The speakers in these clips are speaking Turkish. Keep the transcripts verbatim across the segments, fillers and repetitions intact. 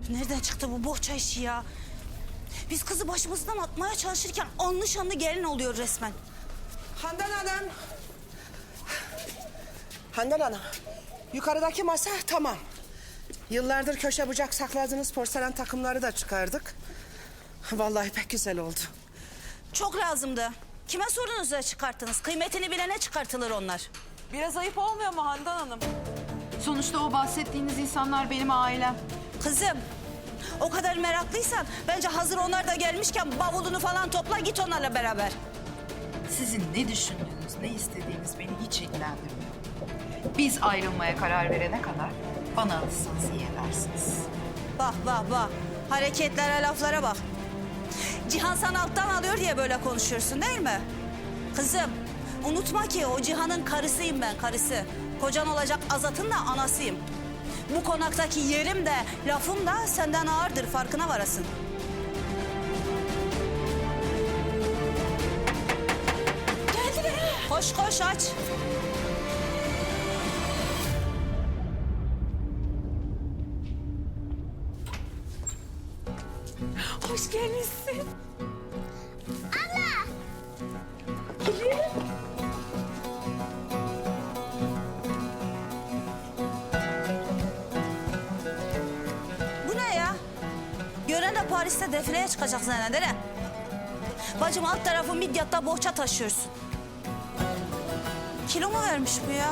Nereden çıktı bu bohça işi ya? Biz kızı başımızdan atmaya çalışırken anlı şanlı gelin oluyor resmen. Handan Hanım. Handan Hanım. Yukarıdaki masa tamam. Yıllardır köşe bucak sakladığınız porselen takımları da çıkardık. Vallahi pek güzel oldu. Çok lazımdı. Kime sordunuz da çıkarttınız? Kıymetini bilene çıkartılır onlar. Biraz ayıp olmuyor mu Handan Hanım? Sonuçta o bahsettiğiniz insanlar benim ailem. Kızım, o kadar meraklıysan bence hazır onlar da gelmişken bavulunu falan topla git onlarla beraber. Sizin ne düşündüğünüz, ne istediğiniz beni hiç ilgilendirmiyor. Biz ayrılmaya karar verene kadar bana alırsanız iyi edersiniz. Bak bak bak, hareketlere laflara bak. Cihan sana alttan alıyor diye böyle konuşuyorsun değil mi? Kızım, unutma ki o Cihan'ın karısıyım ben, karısı. Kocan olacak Azat'ın da anasıyım. Bu konaktaki yerim de lafım da senden ağırdır, farkına varasın. Geldiler. Koş koş aç. Hoş gelmişsin. Bu ne ya? Gören de Paris'te defileye çıkacak zanneder ha. Bacım alt tarafı Midyat'ta bohça taşıyorsun. Kilo mu vermiş bu ya?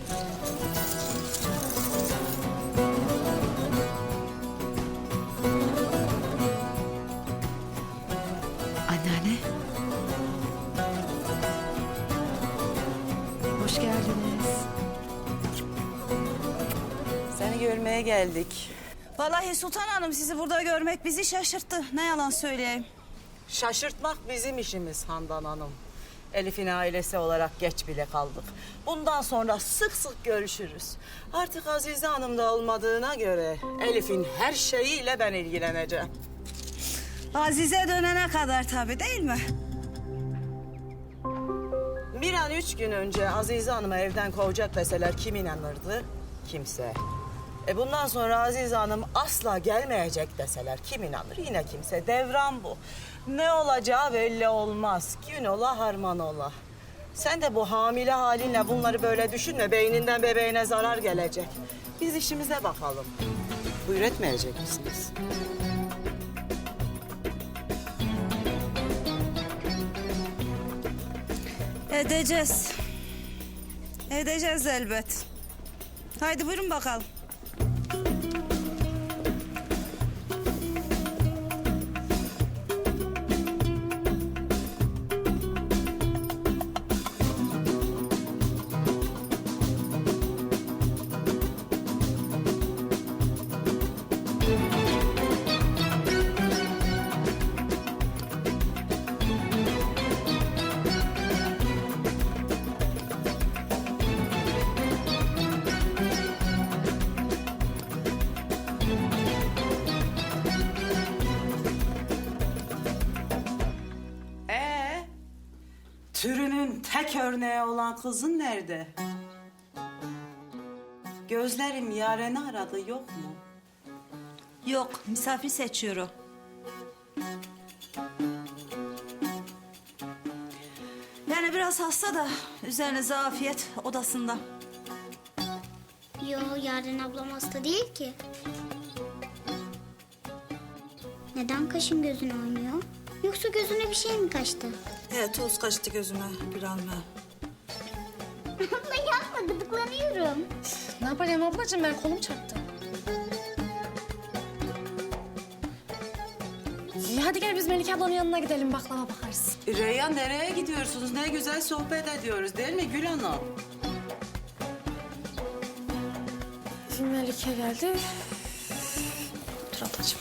Anneanne. Hoş geldiniz. Seni görmeye geldik. Vallahi Sultan Hanım sizi burada görmek bizi şaşırttı. Ne yalan söyleyeyim. Şaşırtmak bizim işimiz Handan Hanım. Elif'in ailesi olarak geç bile kaldık. Bundan sonra sık sık görüşürüz. Artık Azize Hanım da olmadığına göre Elif'in her şeyiyle ben ilgileneceğim. Azize dönene kadar tabii değil mi? Bir an üç gün önce Azize Hanım'ı evden kovacak deseler kim inanırdı? Kimse. E bundan sonra Azize Hanım asla gelmeyecek deseler kim inanır? Yine kimse. Devran bu. Ne olacağı belli olmaz. Gün ola harman ola. Sen de bu hamile halinle bunları böyle düşünme. Beyninden bebeğine zarar gelecek. Biz işimize bakalım. Buyur etmeyecek misiniz? Edeceğiz. Edeceğiz elbet. Haydi buyurun bakalım. Ee, türünün tek örneği olan kızın nerede? Gözlerim Yaren'i aradı, yok mu? Yok, misafir seçiyor o. Yani biraz hasta da üzerine zafiyet odasında. Yo, Yaren ablam hasta değil ki. Neden kaşın gözün oynuyor? Yoksa gözüne bir şey mi kaçtı? Evet, toz kaçtı gözüme Gülhan'la. Abla yapma, gıdıklanıyorum. Ne yapayım ablacığım, ben kolum çarptı. İyi, hadi gel biz Melike ablanın yanına gidelim, baklava bakarız. Reyhan, nereye gidiyorsunuz? Ne güzel sohbet ediyoruz değil mi Gül Hanım? Şimdi Melike geldi. Dur ablacığım.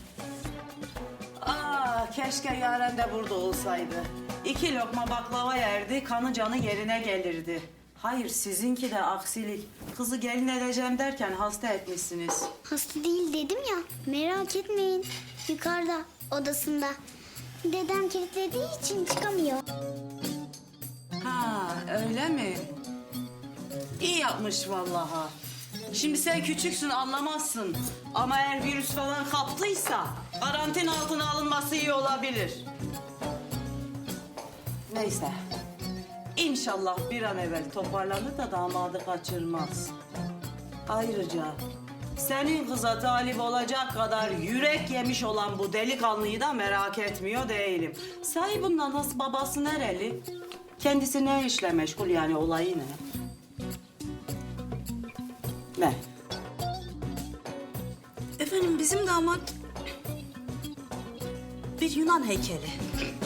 Aa, keşke Yaren de burada olsaydı. İki lokma baklava yerdi, kanı canı yerine gelirdi. Hayır, sizinki de aksilik. Kızı gelin edeceğim derken hasta etmişsiniz. Hasta değil dedim ya, merak etmeyin. Yukarıda, odasında. Dedem kilitlediği için çıkamıyor. Ha, öyle mi? İyi yapmış vallahi. Şimdi sen küçüksün anlamazsın. Ama eğer virüs falan kaptıysa karantina altına alınması iyi olabilir. Neyse. İnşallah bir an evvel toparlanır da damadı kaçırmaz. Ayrıca senin kıza talip olacak kadar yürek yemiş olan bu delikanlıyı da merak etmiyor değilim. Sahi bundan nasıl babası nereli? Kendisi ne işle meşgul yani olayı ne? Ne? Efendim bizim damat bir Yunan heykeli.